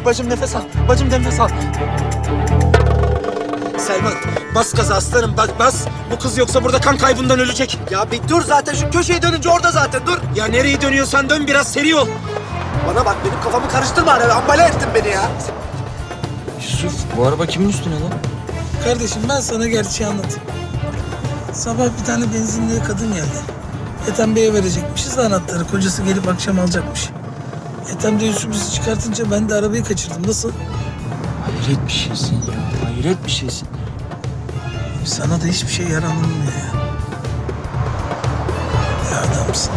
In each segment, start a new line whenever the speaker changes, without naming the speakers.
Bacım nefes al. Bacım nefes al. Selman bas gaza aslanım bas. Bu kız yoksa burada kan kaybından ölecek.
Ya bir dur zaten şu köşeyi dönünce orada zaten dur.
Ya nereyi dönüyorsan dön biraz seri ol.
Bana bak benim kafamı karıştırma hani ambale ettin beni ya.
Yusuf, bu araba kimin üstüne lan?
Kardeşim ben sana gerçeği anlatayım. Sabah bir tane benzinliğe kadın geldi. Ethem Bey'e verecekmişiz anahtarı. Kocası gelip akşam alacakmış. Ethem de Yusuf bizi çıkartınca ben de arabayı kaçırdım. Nasıl?
Hayret bir şeysin ya, hayret bir şeysin.
Sana da hiçbir şey yaranılmıyor ya. Ya adamsın.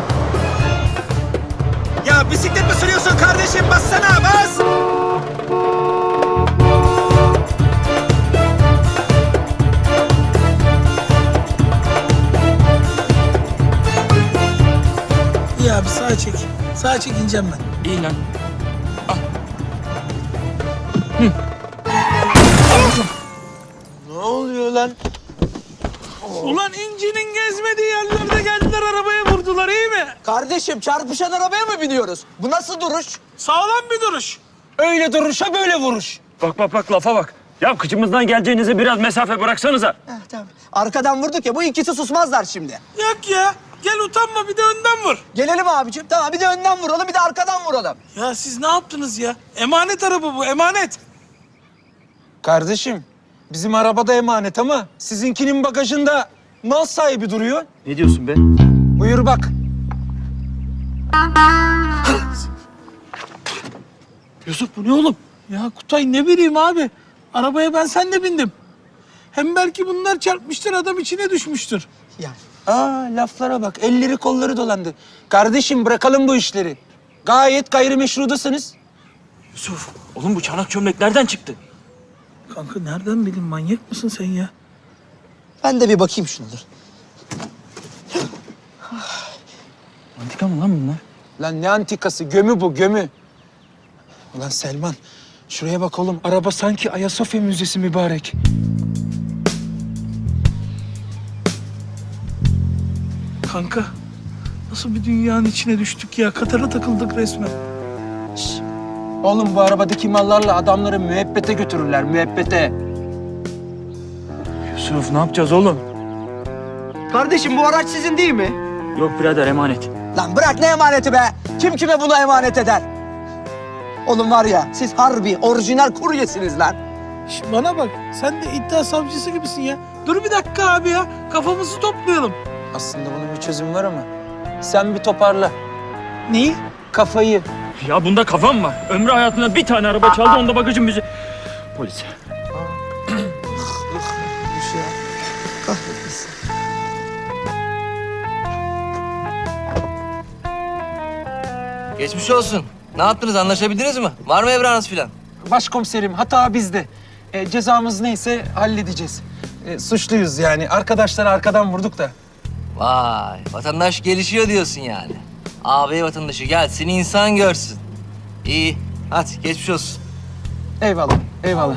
Ya bisiklet mi sürüyorsun kardeşim? Bassana bas.
İyi abi sağa çek. Sağa çek ineceğim ben.
İyi lan.
Ne oluyor lan?
Ulan incinin gezmediği yerlerde geldiler arabaya vurdular iyi mi?
Kardeşim çarpışan arabaya mı biniyoruz? Bu nasıl duruş?
Sağlam bir duruş.
Öyle duruşa böyle vuruş.
Bak lafa bak. Ya kıçımızdan geleceğinize biraz mesafe bıraksanıza.
Tamam. Arkadan vurduk ya bu ikisi susmazlar şimdi.
Yok ya. Gel utanma bir de önden vur.
Gelelim abicim tamam bir de önden vuralım bir de arkadan vuralım.
Ya siz ne yaptınız ya? Emanet araba bu emanet.
Kardeşim bizim arabada emanet ama sizinkinin bagajında mal sahibi duruyor.
Ne diyorsun be?
Buyur bak.
Yusuf bu ne oğlum? Ya Kutay ne bileyim abi. Arabaya ben sen de bindim. Hem belki bunlar çarpmıştır adam içine düşmüştür.
Ya
Aa laflara bak elleri kolları dolandı. Kardeşim bırakalım bu işleri. Gayet gayrimeşrudasınız.
Yusuf, oğlum bu çanak çömlek nereden çıktı?
Kanka nereden bileyim manyak mısın sen ya?
ben de bir bakayım şuna dur.
Antika mı lan bunlar?
Lan ne antikası gömü bu gömü. Ulan Selman şuraya bak oğlum araba sanki Ayasofya Müzesi mübarek.
Kanka nasıl bir dünyanın içine düştük ya? Katara takıldık resmen.
Oğlum bu arabadaki mallarla adamları müebbete götürürler müebbete.
Yusuf ne yapacağız oğlum?
Kardeşim bu araç sizin değil mi?
Yok birader emanet.
Lan bırak ne emaneti be? Kim kime bunu emanet eder? Oğlum var ya siz harbi orijinal kuryesiniz lan.
Şş, bana bak sen de iddia savcısı gibisin ya. Dur bir dakika abi ya. Kafamızı toplayalım.
Aslında bunun bir çözümü var ama sen bir toparla
Neyi?
kafayı.
Ya bunda kafam var. Ömrü hayatında bir tane araba çaldı, onda bagajın müziği. Polis.
Geçmiş olsun. Ne yaptınız? Anlaşabildiniz mi? Var mı evranız filan?
Başkomiserim hata bizde. Cezamız neyse halledeceğiz. Suçluyuz yani. Arkadaşları arkadan vurduk da.
Vay, vatandaş gelişiyor diyorsun yani. Ağabey vatandaşı gelsin, insan görsün. İyi, hadi geçmiş olsun.
Eyvallah, eyvallah.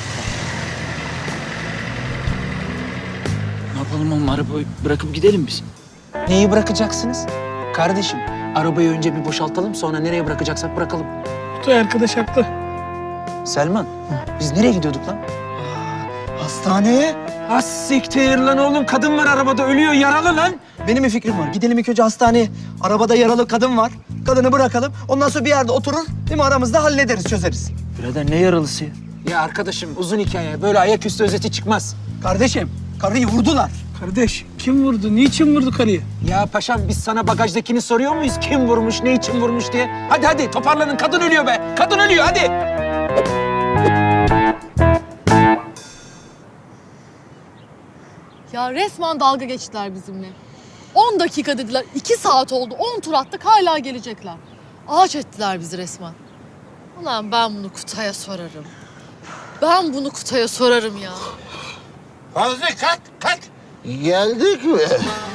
Ne yapalım oğlum, arabayı bırakıp gidelim biz.
Neyi bırakacaksınız? Kardeşim, arabayı önce bir boşaltalım sonra nereye bırakacaksak bırakalım.
Kutay arkadaş haklı.
Selman, biz nereye gidiyorduk lan?
Hastaneye.
Ha siktir lan oğlum. Kadın var arabada ölüyor yaralı lan.
Benim bir fikrim var. Gidelim ilk önce hastaneye. Arabada yaralı kadın var. Kadını bırakalım. Ondan sonra bir yerde oturur. Değil mi aramızda hallederiz, çözeriz.
Birader ne yaralısı ya?
Ya arkadaşım uzun hikaye. Böyle ayaküstü özeti çıkmaz.
Kardeşim, karıyı vurdular.
Kardeş kim vurdu? Niçin vurdu karıyı?
Ya paşam biz sana bagajdakini soruyor muyuz? Kim vurmuş, ne için vurmuş diye? Hadi hadi toparlanın. Kadın ölüyor be. Kadın ölüyor hadi.
Ya resmen dalga geçtiler bizimle. 10 dakika dediler, 2 saat oldu, 10 tur attık hala gelecekler. Ağaç ettiler bizi resmen. Ulan ben bunu Kutay'a sorarım. Ben bunu Kutay'a sorarım ya.
Fazla kalk. Geldik mi?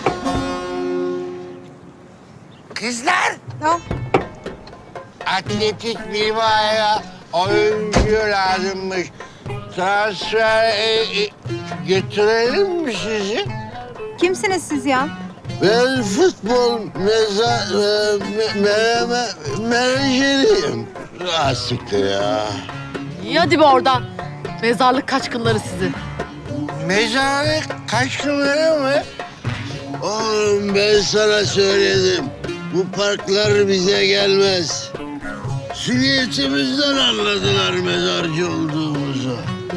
Kızlar.
Tamam.
Atletik Bilbao'ya oyuncu lazımmış. Transfer götürelim mi sizi?
Kimsiniz siz ya?
Ben futbol menajeriyim. Ah siktir ya.
İyi hadi be oradan. Mezarlık kaçkınları sizi.
Mezarlık kaçkınları mı? Oğlum ben sana söyledim. Bu parklar bize gelmez. Sünniyetimizden anladılar mezarcı olduğumuzu.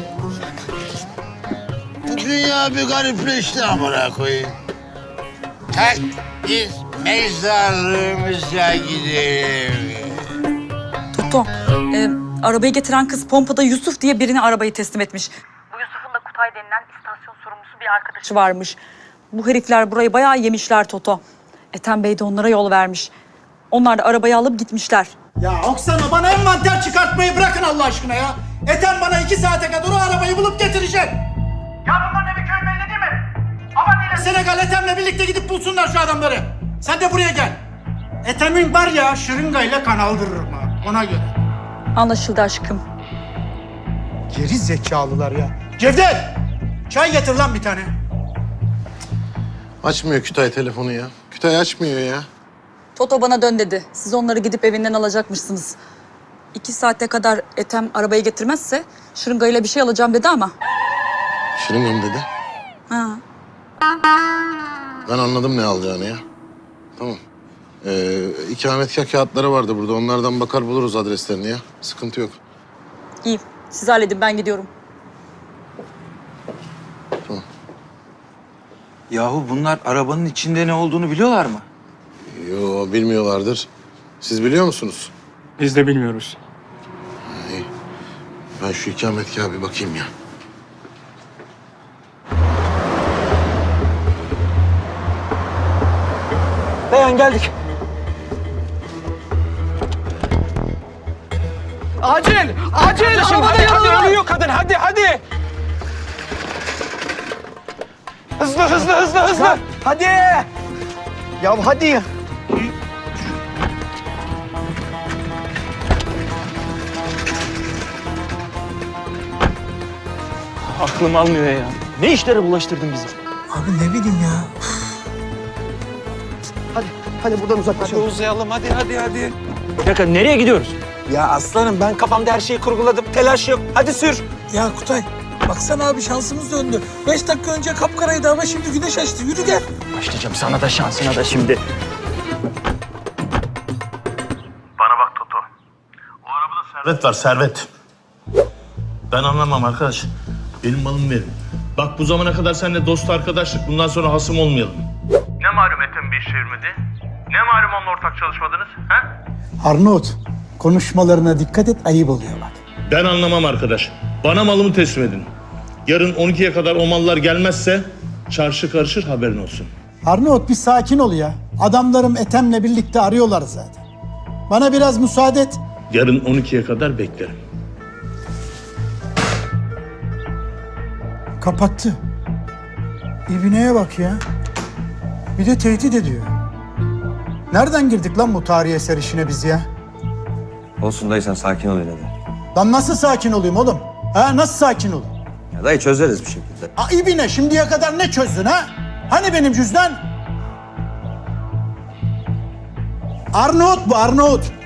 Bu dünya bir garipleşti amına koyayım. Kalk biz mezarlığımıza gidelim.
Toto, arabayı getiren kız pompada Yusuf diye birine arabayı teslim etmiş. Bu Yusuf'un da Kutay denilen istasyon sorumlusu bir arkadaşı varmış. Bu herifler burayı bayağı yemişler Toto. Ethem Bey de onlara yol vermiş. Onlar da arabayı alıp gitmişler.
Ya Oksana bana envanter çıkartmayı bırakın Allah aşkına ya. Ethem bana 2 saate kadar o arabayı bulup getirecek. Ya bunların evi köy belli değil mi? Ama değil. Senegal Ethem'le birlikte gidip bulsunlar şu adamları. Sen de buraya gel. Ethem'in var ya şırıngayla kan aldırırım ha ona göre.
Anlaşıldı aşkım.
Geri zekalılar ya. Cevdet! Çay getir lan bir tane.
Açmıyor Kütahya telefonu ya. Kütahya açmıyor ya.
Toto bana dön dedi. Siz onları gidip evinden alacakmışsınız. 2 saate kadar Ethem arabayı getirmezse şırıngayla bir şey alacağım dedi ama.
Şırıngam dedi.
Ha.
Ben anladım ne alacağını ya. Tamam. İkametgah kağıtları vardı burada. Onlardan bakar buluruz adreslerini ya. Sıkıntı yok.
İyi. Siz halledin ben gidiyorum.
Yahu bunlar arabanın içinde ne olduğunu biliyorlar mı?
Yo bilmiyorlardır. Siz biliyor musunuz?
Biz de bilmiyoruz.
İyi. Ben şu ikametgaha bir bakayım ya.
Dayan geldik. Acil! Acil! Arabada yaralı var!
Ölüyor kadın, hadi! Hızlı!
Hadi! Ya hadi!
Aklım almıyor ya. Ne işlere bulaştırdın bizi?
Abi ne bileyim ya.
Hadi buradan
Hadi
uzaklaşalım.
uzayalım, hadi.
Bir dakika nereye gidiyoruz?
Ya aslanım ben kafamda her şeyi kurguladım. Telaş yok. Hadi sür.
Ya Kutay baksana abi şansımız döndü. 5 dakika önce kapkaraydı ama şimdi güneş açtı. Yürü gel.
Başlayacağım sana da şansına da şimdi.
Bana bak Toto. O arabada servet var, servet. Ben anlamam arkadaş. Benim malımı verin. Bak bu zamana kadar seninle dost arkadaşlık, bundan sonra hasım olmayalım. Ne malum Ethem bir iş çevirmedi? Ne malum onunla ortak çalışmadınız? He?
Arnavut konuşmalarına dikkat et ayıp oluyor bak.
Ben anlamam arkadaş. Bana malımı teslim edin. Yarın 12'ye kadar o mallar gelmezse çarşı karışır, haberin olsun.
Arnavut bir sakin ol ya. Adamlarım Ethem'le birlikte arıyorlar zaten. Bana biraz müsaade et.
Yarın 12'ye kadar beklerim.
Kapattı. İbineye bak ya. Bir de tehdit ediyor. Nereden girdik lan bu tarihi eser işine biz ya?
Olsun dayı sen sakin ol yine de.
Lan nasıl sakin olayım oğlum? Ha nasıl sakin olayım?
Ya dayı çözeriz bir şekilde.
İbine şimdiye kadar ne çözdün ha? Hani benim cüzdan? Arnavut bu Arnavut.